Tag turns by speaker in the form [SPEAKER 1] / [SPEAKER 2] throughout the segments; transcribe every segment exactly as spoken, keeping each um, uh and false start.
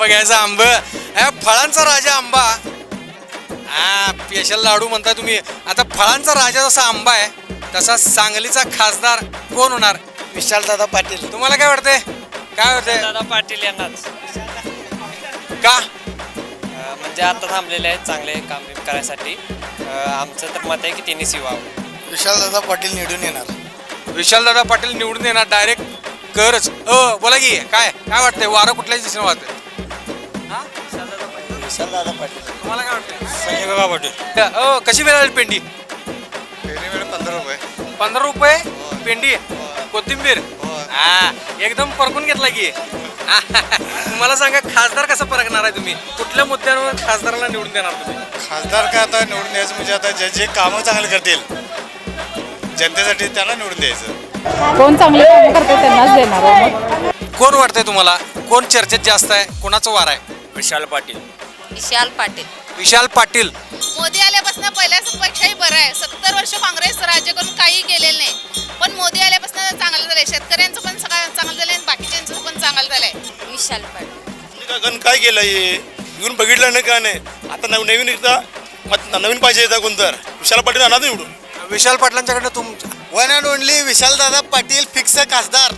[SPEAKER 1] आंबा घ्यायचा आंब, फळांचा राजा आंबा. हा स्पेशल लाडू म्हणताय तुम्ही. आता फळांचा राजा जसा आंबा आहे तसा सांगलीचा खासदार कोण होणार?
[SPEAKER 2] विशालदादा पाटील.
[SPEAKER 1] तुम्हाला काय वाटतंय? काय वाटतंय?
[SPEAKER 3] दादा पाटील यांनाच.
[SPEAKER 1] का?
[SPEAKER 3] अं, म्हणजे आता थांबलेले आहेत चांगले काम बिम करायसाठी. अं, आमचं तर मत आहे की त्यांनीच यावं.
[SPEAKER 2] विशालदादा पाटील निवडून येणार.
[SPEAKER 1] विशालदादा पाटील निवडून येणार डायरेक्ट करच. अ बोला की काय काय वाटतंय? वारं कुठल्याच दिशेने वाहतंय?
[SPEAKER 2] विशालदादा पाटील.
[SPEAKER 1] तुम्हाला काय वाटतंय?
[SPEAKER 2] संजय काका पाटील.
[SPEAKER 1] अ कशी मिळाली पेंडी?
[SPEAKER 2] वेळ पंधरा रुपये.
[SPEAKER 1] पंधरा रुपये पेंडी. कोथिंबीर हा एकदम परकून घेतला की. तुम्हाला सांगा खासदार कसं परकणार आहे तुम्ही? कुठल्या मुद्द्यांवर खासदाराला निवडून देणार तुम्ही?
[SPEAKER 2] खासदार काय आता निवडून द्यायचं म्हणजे आता जे जे कामं चांगले करतील जनतेसाठी त्यांना निवडून द्यायचं.
[SPEAKER 4] कोण चांगले कामं करते त्यांनाच देणार आहे मग.
[SPEAKER 1] कोण वाटतंय तुम्हाला? कोण चर्चेत जास्त आहे? कोणाचं वार आहे?
[SPEAKER 2] विशाल पाटील.
[SPEAKER 5] विशाल पाटील.
[SPEAKER 1] विशाल पाटील.
[SPEAKER 5] मोदी आल्यापासून पहिल्यापेक्षाही बरं आहे. सत्तर वर्ष काँग्रेस राज्य करून काही केलेलं नाही, पण मोदी आल्यापासून चांगलं झालंय. शेतकऱ्यांचं पण सगळं चांगलं झालंय आणि बाकीच्यांचं पण चांगलं झालंय. विशाल पाटील.
[SPEAKER 2] काय केलं हे येऊन बघितलं नाही का नाही. आता नव नवीन एकदा मत नवीन पाहिजे येतात कोणतर विशाल पाटील आणा निवडून.
[SPEAKER 1] विशाल पाटलांच्याकडनं तुम
[SPEAKER 2] one and only Vishaldada Patil fix खासदार.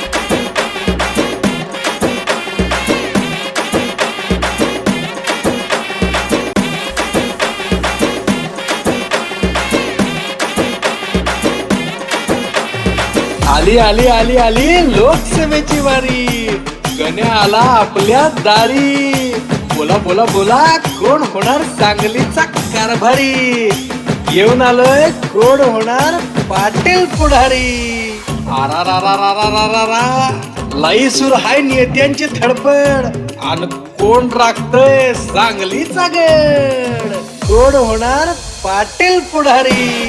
[SPEAKER 6] आली आली आली आली लोकसभेची वारी. गण्या आला आपल्या दारी. बोला बोला बोला कोण होणार सांगलीचा कारभारी? येऊन आलोय कोण होणार पाटील पुढारी. आरा रा रा रा रा रा रा रा लाई सुर हाय नेत्यांची धडपड. आणि कोण राखतय सांगलीचा गड? कोण होणार पाटील पुढारी?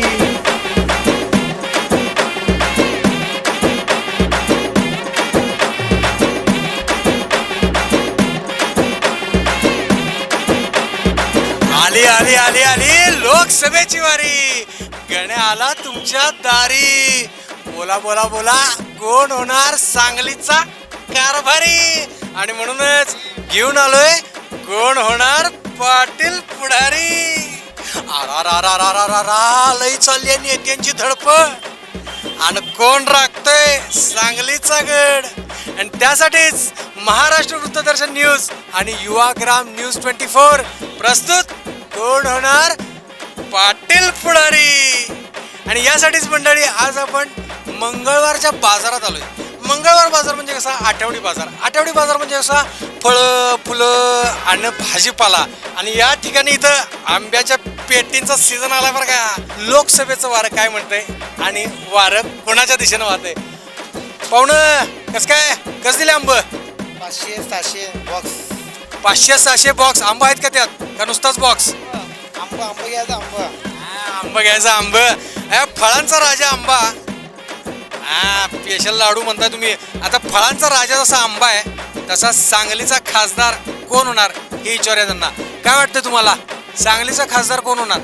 [SPEAKER 1] आली आली आली आली लोकसभेची वारी. गण्या आला तुमच्या दारी. बोला बोला बोला कोण होणार सांगलीचा कारभारी? आणि म्हणूनच घेऊन आलोय कोण होणार पाटील पुढारी. आरा रा रा रा रा रा रा लई चालली आहे नेत्यांची धडपड. आणि कोण राखतोय सांगलीचा गड? आणि त्यासाठीच महाराष्ट्र वृत्तदर्शन न्यूज आणि युवाग्राम न्यूज ट्वेंटी फोर प्रस्तुत कोण होणार पाटील पुढारी. आणि यासाठीच मंडळी आज आपण मंगळवारच्या बाजारात आलोय. मंगळवार बाजार म्हणजे कसा? आठवडी बाजार. आठवडी बाजार म्हणजे कसा? फळं फुलं आणि भाजीपाला. आणि या ठिकाणी इथं आंब्याच्या पेटींचा सीझन आला बरं का. लोकसभेचं वारं काय म्हणतंय आणि वारं कोणाच्या दिशेनं वाहतंय? पाहुणं कसं काय? कसं दिले आंब?
[SPEAKER 2] पाचशे सहाशे बॉक्स.
[SPEAKER 1] पाचशे सहाशे बॉक्स आंबा आहेत का त्यात? का नुसताच बॉक्स?
[SPEAKER 2] आंबा आंबा घ्यायचा आंबा.
[SPEAKER 1] आंबा घ्यायचा आंब. फळांचा राजा आंबा. हा स्पेशल लाडू म्हणताय तुम्ही. आता फळांचा राजा जसा आंबा आहे तसा सांगलीचा खासदार कोण होणार हे विचारूया त्यांना. काय वाटतं तुम्हाला? सांगलीचा खासदार कोण होणार?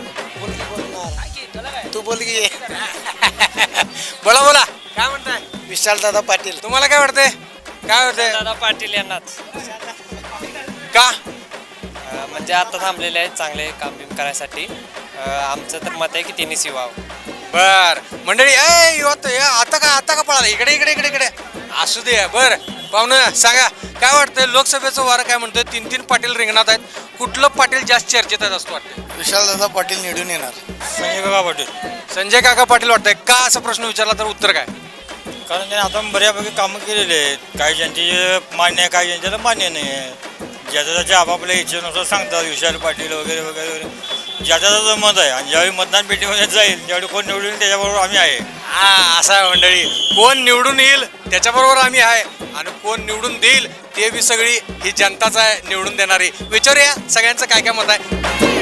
[SPEAKER 2] तू बोल की.
[SPEAKER 1] बोला बोला काय म्हणताय?
[SPEAKER 2] विशालदादा पाटील.
[SPEAKER 1] तुम्हाला काय वाटतंय? काय वाटतंय?
[SPEAKER 3] दादा पाटील यांनाच.
[SPEAKER 1] का?
[SPEAKER 3] अं, म्हणजे आता थांबलेले आहेत चांगले काम बिम करायसाठी. अं, आमचं तर मत आहे की त्यांनीच यावं.
[SPEAKER 1] बर मंडळी ए युवत आता का आता का पळाला इकडे इकडे इकडे इकडे असू दे. बर पाहुणं सांगा काय वाटतंय? लोकसभेचं वारं काय म्हणतंय? तीन तीन पाटील रिंगणात आहेत. कुठलं पाटील जास्त चर्चेत आहेत असं वाटतंय?
[SPEAKER 2] विशालदादा पाटील निवडून येणार.
[SPEAKER 1] संजय काका पाटील. संजय काका पाटील वाटतंय का? असा प्रश्न विचारला तर उत्तर काय?
[SPEAKER 7] कारण त्यांनी आता बऱ्यापैकी कामं केलेली आहेत. काही ज्यांची मान्य आहे काही ज्यांच्याला मान्य नाही आहे. ज्याच्या त्याच्या आपापल्या इच्छेनुसार सांगतात विशाल पाटील वगैरे वगैरे वगैरे. ज्याच्या त्याचं मत आहे आणि ज्यावेळी मतदान पेटीमध्ये जाईल त्यावेळी कोण निवडून येईल त्याच्याबरोबर आम्ही आहे.
[SPEAKER 1] हा असं आहे मंडळी. कोण निवडून येईल त्याच्याबरोबर आम्ही आहे आणि कोण निवडून देईल ते बी सगळी ही जनताच आहे निवडून देणारी. विचारूया सगळ्यांचं काय काय मत आहे.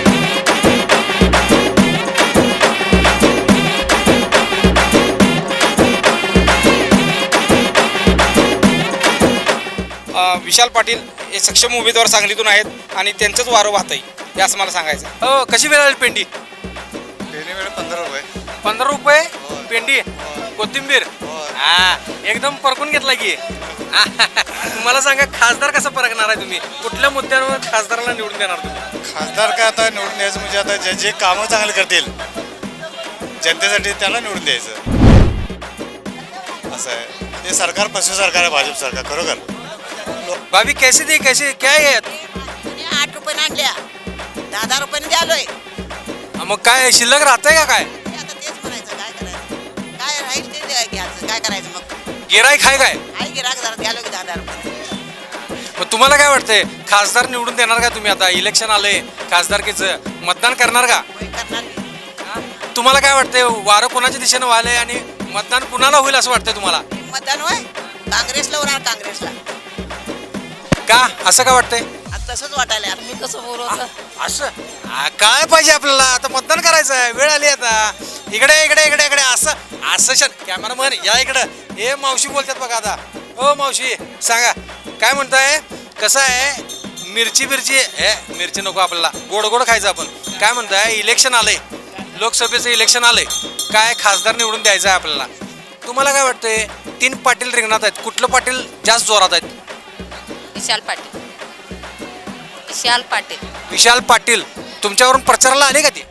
[SPEAKER 8] विशाल पाटील हे सक्षम उमेदवार सांगलीतून आहेत आणि त्यांचंच वारं वाहत आहे हे असं मला सांगायचं.
[SPEAKER 1] हो कशी मिळाली पेंडी?
[SPEAKER 2] पेंडी वेळ पंधरा रुपये.
[SPEAKER 1] पंधरा रुपये पेंडी. कोथिंबीर हा एकदम परकून घेतला की. मला सांगा खासदार कसा परखणार आहे तुम्ही कुठल्या मुद्द्यांवर खासदाराला निवडून देणार तुम्ही
[SPEAKER 2] खासदार काय आता निवडून द्यायचं म्हणजे आता जे जे कामं चांगले करतील जनतेसाठी त्याला निवडून द्यायचं असं आहे. ते सरकार पशु सरकार आहे भाजप सरकार खरोखर.
[SPEAKER 1] भाभी कैसे दी कैसे क्या आहे
[SPEAKER 9] आठ रुपये आणल्या दहा दहा रुपयाने द्यालोय.
[SPEAKER 1] मग काय शिल्लक राहतंय का काय
[SPEAKER 9] आता तेच म्हणायचं काय करायचं काय राहील ते द्या- घ्यायचं काय करायचं मग
[SPEAKER 1] गिराईक आहे काय
[SPEAKER 9] आई गिराक जरा द्यालो की दहा दहा रुपये.
[SPEAKER 1] मग तुम्हाला काय वाटतंय खासदार निवडून देणार का तुम्ही आता इलेक्शन आलंय खासदारकीचं मतदान करणार का
[SPEAKER 9] होय करणार की.
[SPEAKER 1] तुम्हाला काय वाटतंय वारं कोणाच्या दिशेनं व्हायलंय आणि मतदान कुणाला होईल असं वाटतंय तुम्हाला
[SPEAKER 9] मतदान होय काँग्रेसला होणार काँग्रेसला.
[SPEAKER 1] का असं का वाटतंय
[SPEAKER 9] आता तसंच वाटायला आता मी कसं बोलू आता.
[SPEAKER 1] असं आ, काय पाहिजे आपल्याला आता मतदान करायचं आहे वेळ आली आता इकडे इकडे इकडे इकडे असं असं शन कॅमेरामन या इकडं हे मावशी बोलतात बघा आता हो मावशी सांगा काय म्हणताय कसं आहे मिरची मिरची हे मिरची नको आपल्याला गोड गोड खायचं आपण काय म्हणताय इलेक्शन आलंय लोकसभेचं इलेक्शन आलंय काय खासदार निवडून द्यायचं आहे आपल्याला तुम्हाला काय वाटतंय तीन पाटील रिंगणात आहेत कुठलं पाटील जास्त जोरात आहेत
[SPEAKER 5] विशाल पाटील विशाल पाटील
[SPEAKER 1] विशाल पाटील तुमच्यावरून प्रचाराला आले का ते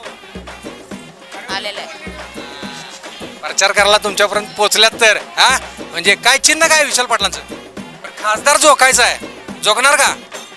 [SPEAKER 5] आलेलं आहे.
[SPEAKER 1] प्रचार करायला तुमच्यापर्यंत पोहोचल्यात तर हा म्हणजे काय चिन्ह काय विशाल पाटलांचं पण खासदार जोकायचा आहे जोगणार का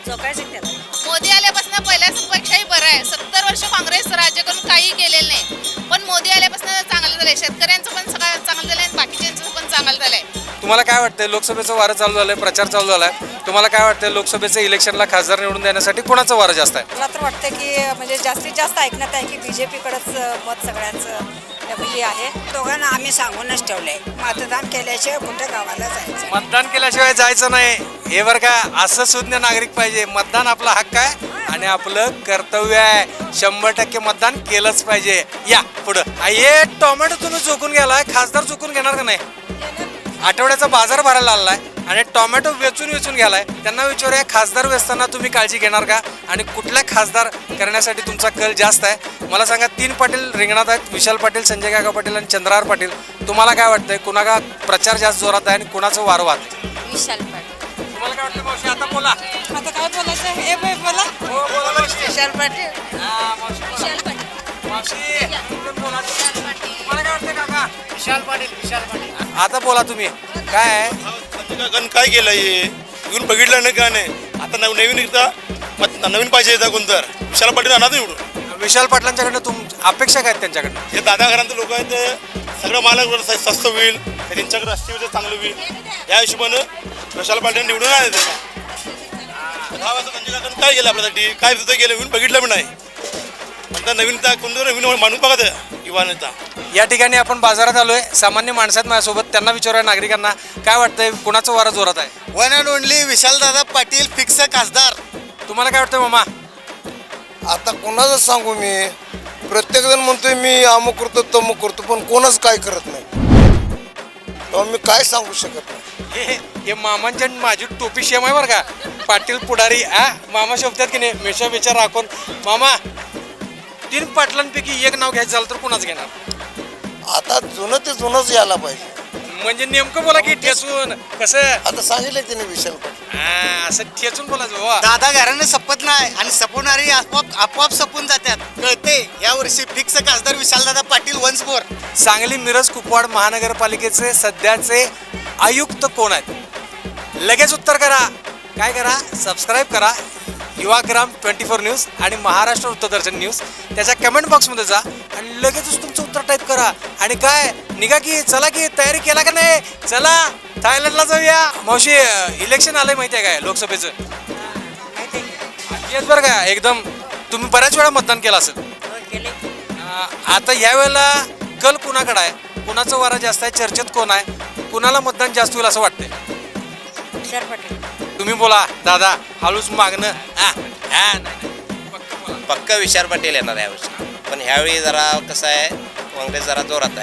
[SPEAKER 5] मोदी आल्यापासून पहिल्यापेक्षाही बरं आहे. सत्तर वर्ष काँग्रेस राज्य करून काही केलेलं नाही पण मोदी आल्यापासून चांगलं झालंय. शेतकऱ्यांचं पण सगळं चांगलं झालंय आणि बाकीच्यांचं पण चांगलं झालंय.
[SPEAKER 1] तुम्हाला काय वाटतंय लोकसभेचं वारं चालू झालंय प्रचार चालू झालाय तुम्हाला काय वाटतंय लोकसभेचं इलेक्शनला खासदार निवडून देण्यासाठी कोणाचं वारं जास्त आहे
[SPEAKER 4] मला तर वाटतं की म्हणजे जास्तीत जास्त ऐकण्यात आहे की बीजेपीकडंच मत सगळ्यांचं हे आहे.
[SPEAKER 9] दोघांना आम्ही सांगूनच ठेवलंय मतदान केल्याशिवाय कुठं गावाला जायचं.
[SPEAKER 1] मतदान केल्याशिवाय जायचं नाही हे बरं का असं सुज्ञ नागरिक पाहिजे मतदान आपला हक्क आहे आणि आपलं कर्तव्य आहे शंभर टक्के मतदान केलंच पाहिजे या पुढं हे टोमॅटो तुम्ही चुकून गेलाय खासदार चुकून घेणार का नाही आठवड्याचा बाजार भरायला आलाय आणि टोमॅटो वेचून वेचून घ्यालाय त्यांना विचारूया खासदार वेचताना तुम्ही काळजी घेणार का आणि कुठल्या खासदार करण्यासाठी तुमचा कल जास्त आहे मला सांगा तीन पाटील रिंगणात आहेत विशाल पाटील संजय काका पाटील आणि चंद्रहार पाटील तुम्हाला काय वाटतंय कुणाला प्रचार जास्त जोरात आहे आणि कुणाचं वारं वाहतंय
[SPEAKER 5] विशाल पाटील
[SPEAKER 1] तुम्हाला काय वाटतं मावशी आता बोला
[SPEAKER 4] आता काय बोलायचं हे बोला
[SPEAKER 1] हो बोला मावशी
[SPEAKER 9] विशाल पाटील
[SPEAKER 1] हा, मावशी बोला.
[SPEAKER 5] विशाल पाटील
[SPEAKER 1] मावशी तुम्ही बोला. तुम्हाला काय वाटतं काका
[SPEAKER 3] विशाल पाटील विशाल पाटील
[SPEAKER 1] आता बोला तुम्ही काय आहे
[SPEAKER 2] गण काय केलं हे येऊन बघितलं नाही का नाही आता नव नवीन एकदा मग नवीन पाहिजे येतात कोणतर विशाल पाटील आणा निवडून.
[SPEAKER 1] विशाल पाटलांच्याकडनं तुम अपेक्षा काय आहेत त्यांच्याकडनं
[SPEAKER 2] हे दादा घरांचे लोक आहेत ते सगळं मालक स्वस्त होईल हे त्यांच्याकडे राष्ट्रीय चांगलं होईल या हिशोबानं विशाल पाटील निवडून आले दहा वाजता संजय काकांनी काय केलं आपल्यासाठी काय तिथं गेलं येऊन बघितलं पण नाही आता नवीन कोणतं नवीन माणूस बघा ते युवा नेता.
[SPEAKER 1] या ठिकाणी आपण बाजारात आलोय सामान्य माणसात माझ्यासोबत त्यांना विचारूया नागरिकांना काय वाटतंय कुणाचं वारं जोरात आहे
[SPEAKER 2] one and only Vishaldada Patil fix खासदार.
[SPEAKER 1] तुम्हाला काय वाटतंय मामा
[SPEAKER 10] आता कोणाचं सांगू मी प्रत्येक जण म्हणतोय मी अमुक करतो तमुक करतो पण कोणच काय करत नाही तेव्हा मी काय सांगू शकत नाही.
[SPEAKER 1] हे हे मामांच्या माझी टोपी शेम आहे बरं का पाटील पुढारी आ मामा शोभतात की नाही मेशा विचार राखून मामा तीन पाटलांपैकी एक नाव घ्यायचं झालं तर कुणाच घेणार
[SPEAKER 10] आता जुनं ते जुनंच यायला पाहिजे.
[SPEAKER 1] म्हणजे नेमकं बोला की ठेचून कसं
[SPEAKER 10] आता सांगितलं त्याने विशाल पाटील
[SPEAKER 1] हा, असं ठेचून बोलायचं हो.
[SPEAKER 2] दादा घराने सपत नाही आणि सपवणारी आपोआप आपोआप सपून जातात कळते या वर्षी फिक्स खासदार विशालदादा पाटील वन्स मोर.
[SPEAKER 1] सांगली मिरज कुपवाड महानगरपालिकेचे सध्याचे आयुक्त कोण आहेत लगेच उत्तर करा काय करा सबस्क्राईब करा युवाग्राम ट्वेंटी फोर न्यूज आणि महाराष्ट्र वृत्तदर्शन न्यूज त्याच्या कमेंट बॉक्समध्ये जा आणि लगेचच तुमचं उत्तर टाईप करा आणि काय निघा की चला की तयारी केला का नाही चला थायलंडला जाऊया मावशी इलेक्शन आलंय माहिती आहे काय लोकसभेचं येत बरं का एकदम तुम्ही बऱ्याच वेळा मतदान केलं असेल अं, आता यावेळेला कल कुणाकडे आहे कुणाचं वारा जास्त आहे चर्चेत कोण आहे कुणाला मतदान जास्त होईल असं वाटतंय
[SPEAKER 4] विशाल पाटील
[SPEAKER 1] तुम्ही बोला दादा हळूच मागणं हा हा नाही, नाही. पक्कं बोला.
[SPEAKER 3] पक्का विशाल पाटील येणार यावर्षी पण ह्यावेळी जरा कसं आहे काँग्रेस जरा जोरात आहे.